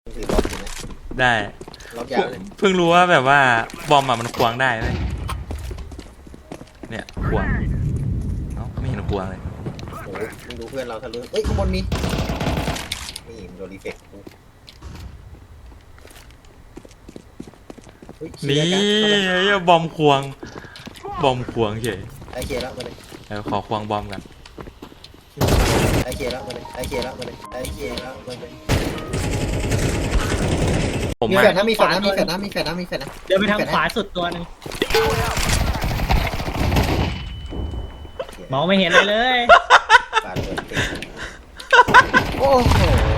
ถือล็อกอยู่ไหมได้ล็อกยาวเลยเพิ่งรู้ว่าแบบว่าบอมมันควงได้ไหมเนี่ยควงเอ้าไม่เห็นควงเลยโอ้มึงดูเพื่อนเราทะลุเอ้ยข้างบนมีนี่โดนรีเฟกต์นี่บอมควงเฉยไอเคแล้วมาเลยแล้วขอควงบอมกันไอเคแล้วมาเลยไอเคแล้วมาเลยไอเคแล้วมาเลยผมมีมาแฟนนะมีแฟนนะมีแฟนนะมีแฟนนะมีแฟนนะเดินไปทางขวาสุดตัวหนึ่งมองไม่เห็นอะไรเลยปาดเลยโอ้โห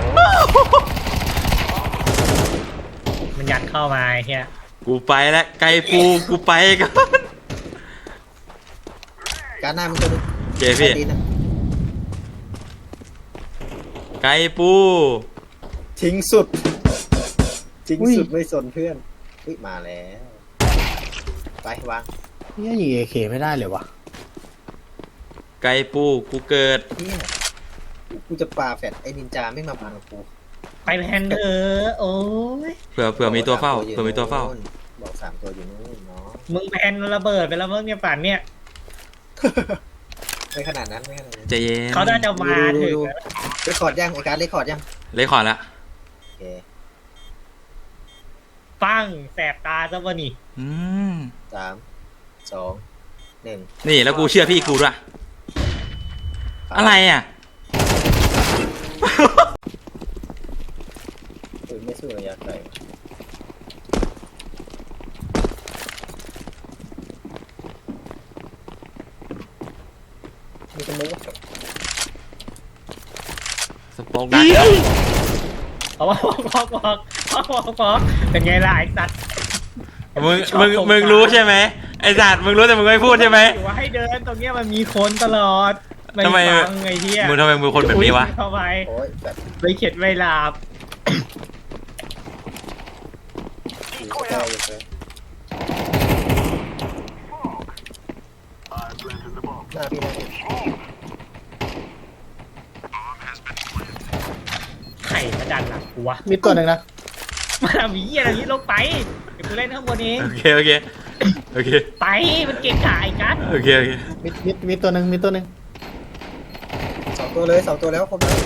มันยัดเข้ามาไอ้เฮียกูไปแล้วไกลปูกูไปกันการหน้ามึงจะดูเจพี่ไกลปูทิ้งสุดทิ้งสุดไม่สนเพื่อนอุ้ยมาแล้วไปวางนี่ยิงเอเคไม่ได้เลยวะไกลปูกูเกิดเนี่ยกูจะปาแฟดไอ้นินจาไม่มาพังกับกูไปแพนเถอะโอ้ยเผื่อมีตัวเฝ้าบอก3 ตัวอยู่นู้นเนาะมึงแพนระเบิดไปแล้วมึงเนี่ยป่านเนี่ยไม่ขนาดนั้นไม่ขนาดนั้นใจเย็นเขาน่าจะมาถึงเรคคอร์ดยังไอ้การเรคคอร์ดยังเลยขอละโอเคปั้งแสบตาซะวะนี่ 3 2 1 นี่แล้วกูเชื่อพี่กูด้วยอะไรอ่ะปืนไม่สู้ระยะไกลมีสมุกสปองดักเอาว่าบอกเป็นไงล่ะไอ้สัตว์มึงรู้ใช่ไหมไอ้สัตว์มึงรู้แต่มึงไม่พูดใช่ไหมอยู่ว่าให้เดินตรงเนี้ยมันมีคนตลอดทำไมฟังไอ้เหี้ยมึงทำไมมึงคนแบบนี้วะเข้าไปโอ้ยแบบไปเข็ดไม่หลับอยู่ใกล้อยู่เลยหน้าพี่หน้าพี่ไข่มาดันหลังกูวะมีตัวหนึ่งนะมาหวีอะไรนี้ลงไปเดี๋ยวกูเล่นข้างบนเองโอเคไปมันเก่งขายกันโอเคมีตัวหนึ่งมีตัวหนึ่ง 2 ตัวเลย2 ตัวแล้วครบแล้ว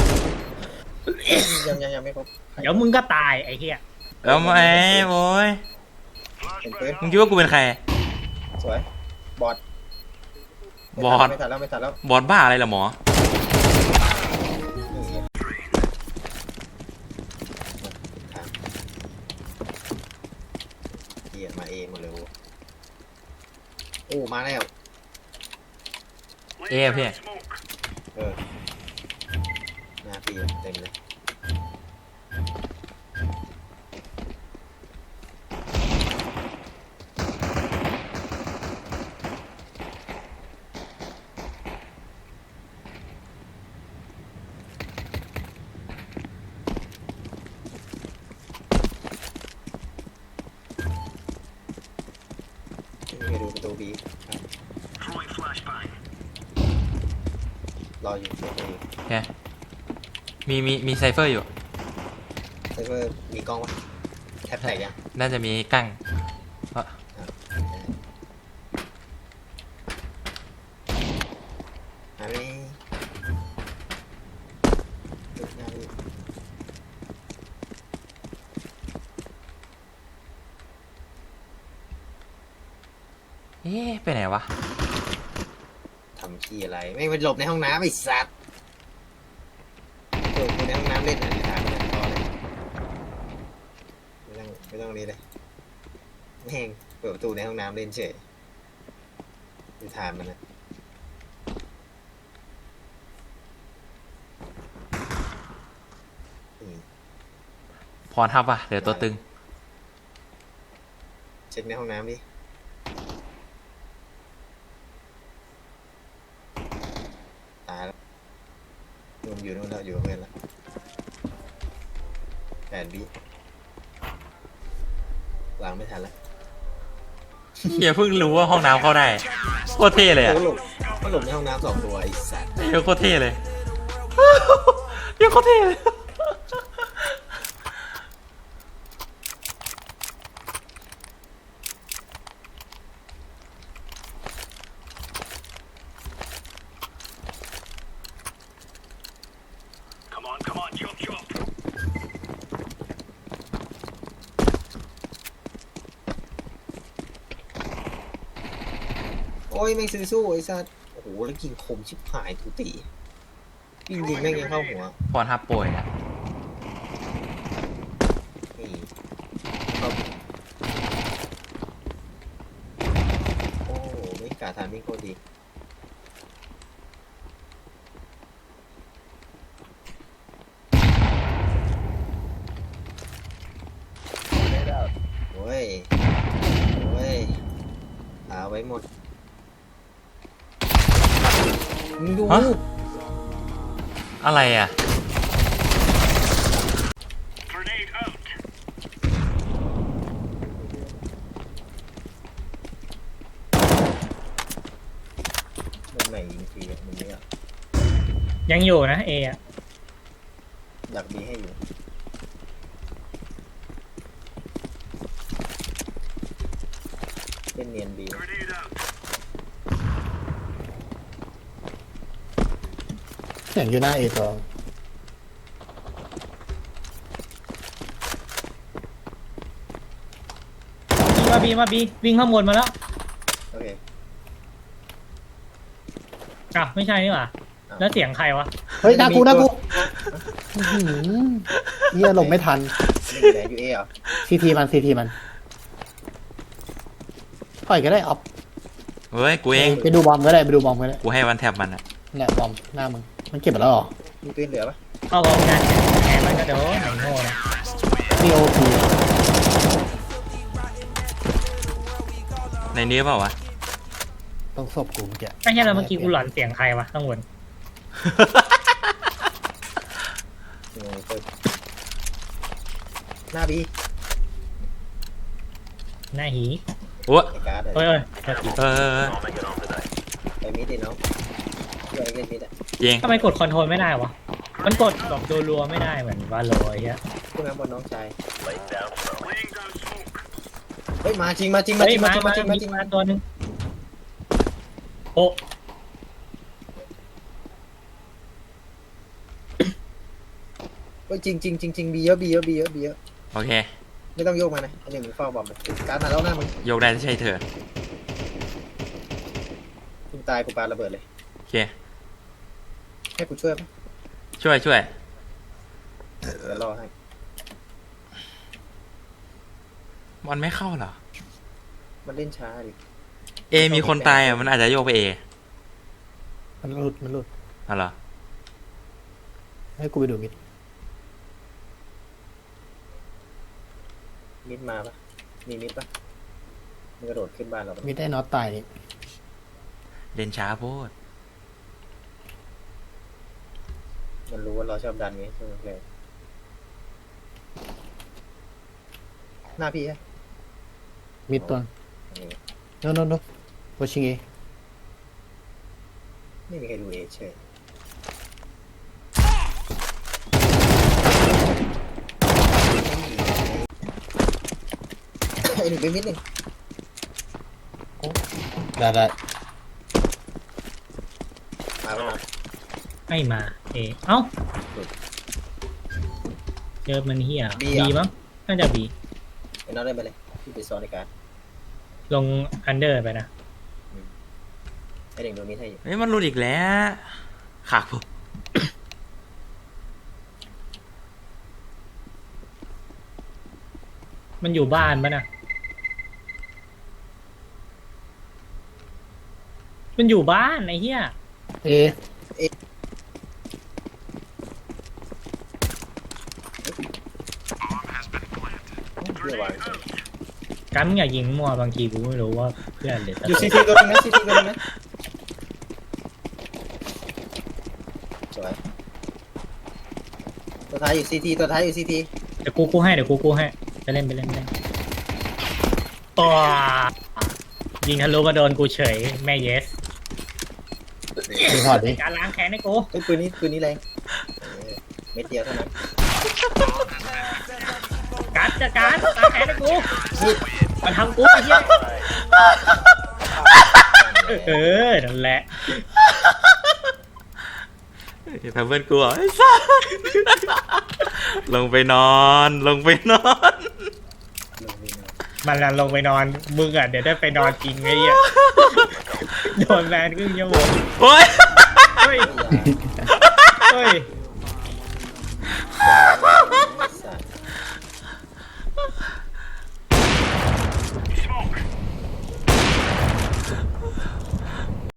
ยังไม่ครบเดี๋ยวมึงก็ตายไอ้เหี้ยแล้วไอ้โว้ยเห็นปืนมึงคิดว่ากูเป็นใครสวยบอดบอดไม่ทันแล้วบอลบ้าอะไรล่ะหมอเกียมาเองหมดเลยโอ้มาแล้วเอ๊ะพี่หน้าพี่เต็มเลยไปดูประตูบีรออยู่เซฟเวอร์โอเคมีไซเฟอร์อยู่เซฟเวอร์มีกล้องวะแคปแท็กยังน่าจะมีกั้งหาไม่เอ๊ะไปไหนวะทำขี้อะไรไม่ไปหลบในห้องน้ำไอ้สัตว์เปิดในห้องน้ำเล่นอะไรถามไม่ได้พอเลยไม่ต้องนี้เลยแม่งเปิดประตูในห้องน้ำเล่นเฉยดูถามมันนะพรทับว่ะเดี๋ยวตัวตึงเช็คในห้องน้ำดิตายแล้วนู่นอยู่นู่นแล้วอยู่กับเพื่อนแล้ว8 วิวางไม่ทันแล้วอย่าเพิ่งรู้ว่าห้องน้ำเข้าได้โคตรเท่เลยอ่ะก็หลบในห้องน้ำ2 ตัวไอ้สัตว์โคตรเท่เลย โคตรเท่เลยอ้ยแม่งซื้อสู้ไอ้สัสโอ้โหแล้วยิงคมชิบหายทุตียิงแม่งยังเข้าหัวพรทับป่วยนะนี่เข้าโอ้โหไม่กล้าทำนี่โคตรดีโอ้ยโอ้ยหาไว้หมดมึงดูอะไรอ่ะมันใหม่ยิงฟรีอะมึงเนี่ยยังอยู่นะเออะดักดีให้อยู่เล่นเนียนบีเสียงอยู่หน้าเอตัวมาบีวิ่งข้างบนมาแล้วโอเคอ่ะไม่ใช่นี่หว่าแล้วเสียงใครวะเฮ้ยหน้ากูอื้อหือเฮียหลบไม่ทันนี่อยู่ไหนอยู่เอเหรอซีทีมันปล่อยก็ได้ออฟเฮ้ย กูเองไปดูบอมก็ได้กูให้วันแทบมันอ่ะแหละบอมหน้ามึง มันเก็บไปแล้วเหรอมีปืนเหลือปะเข้ากองงานแหมมันก็โดนไหนโง่นะมีโอพีในนี้เปล่าวะต้องศพกูเมื่อกี้ไม่ใช่แล้วเมื่อกี้กูหลอนเสียงใครวะข้างบนเปิดหน้าบีหน้าหีโอ้ไอ้การ์ดเอ้ยเออไปมิดดิน้องช่วยเล่นมิดอ่ะเองทำไมกดคอนโทรลไม่ได้วะมันกดแบบรัวๆไม่ได้เหมือนวาโลไอ้เหี้ยขึ้นมาบนน้องชายเฮ้ยมาจริงมาเฮ้ยมา ตัวนึงโอ้เฮ้ยจริงบีเยอะโอเคไม่ต้องโยกมานะอันนี้มึงเฝ้าบอมเลยการ์ดมาแล้วหน้ามึงโยกได้ใช่เธอมึงตายกูปาระเบิดเลยโอเคให้กูช่วยปะช่วยเดี๋ยวรอให้มันไม่เข้าเหรอมันเล่นช้าดิเอมีคนตายอ่ะ มันอาจจะโยกไปเอมันหลุดอ๋อเหรอให้กูไปดูมิดมิดมาปะมีมิดปะมึงกระโดดขึ้นบ้านเราปะมิดได้น็อตตายนี่เล่นช้าโพดมันรู้ว่าเราชอบดันไงใช่ไหมเลยหน้าพี่ฮะมิดตัวโน้โวชิงเอไม่มีใครดูเอเฉยไอ้หนึ่งเป็นมิดหนึ่งได้มาแล้วนะไม่มาเอเอ้าเจอมันเหี้ยบีมั้งน่าจะบีไอ้น้องได้ไปเลยพี่ไปซ้อนในการลงอันเดอร์ไปนะไอ้หนึ่งโดนมิดให้อยู่เฮ้ย มันหลุดอีกแล้วขากผมมันอยู่บ้านปะนะมันอยู่บ้านไอ้เหี้ยเอเรียกวางการมึงอย่ายิงมั่วบางทีกูไม่รู้ว่าเพื่อนหรืออยู่ซีทีตัวนึงนะซีทีตัวนึงนะสวยตัวท้ายอยู่ซีทีตัวท้ายอยู่ซีทีเดี๋ยวกูให้จะเล่นไปเล่นอ๋อยิงทะลุมาโดนกูเฉยแม่เยสมีพอร์ตดิการล้างแค้นให้กูเฮ้ยปืนนี้แรงเม็ดเดียวเท่านั้นการจัดการล้างแค้นให้กูมาทำกูไอ้เหี้ยนั่นแหละทำเพื่อนกูเหรอไอ้สัสลงไปนอนลงนี่นะมันน่ะลงไปนอนมึงอ่ะเดี๋ยวได้ไปนอนจริงไอ้เหี้ยโดนแบนครึ่งชั่วโมงโอ้ยเฮ้ยเฮ้ยขวา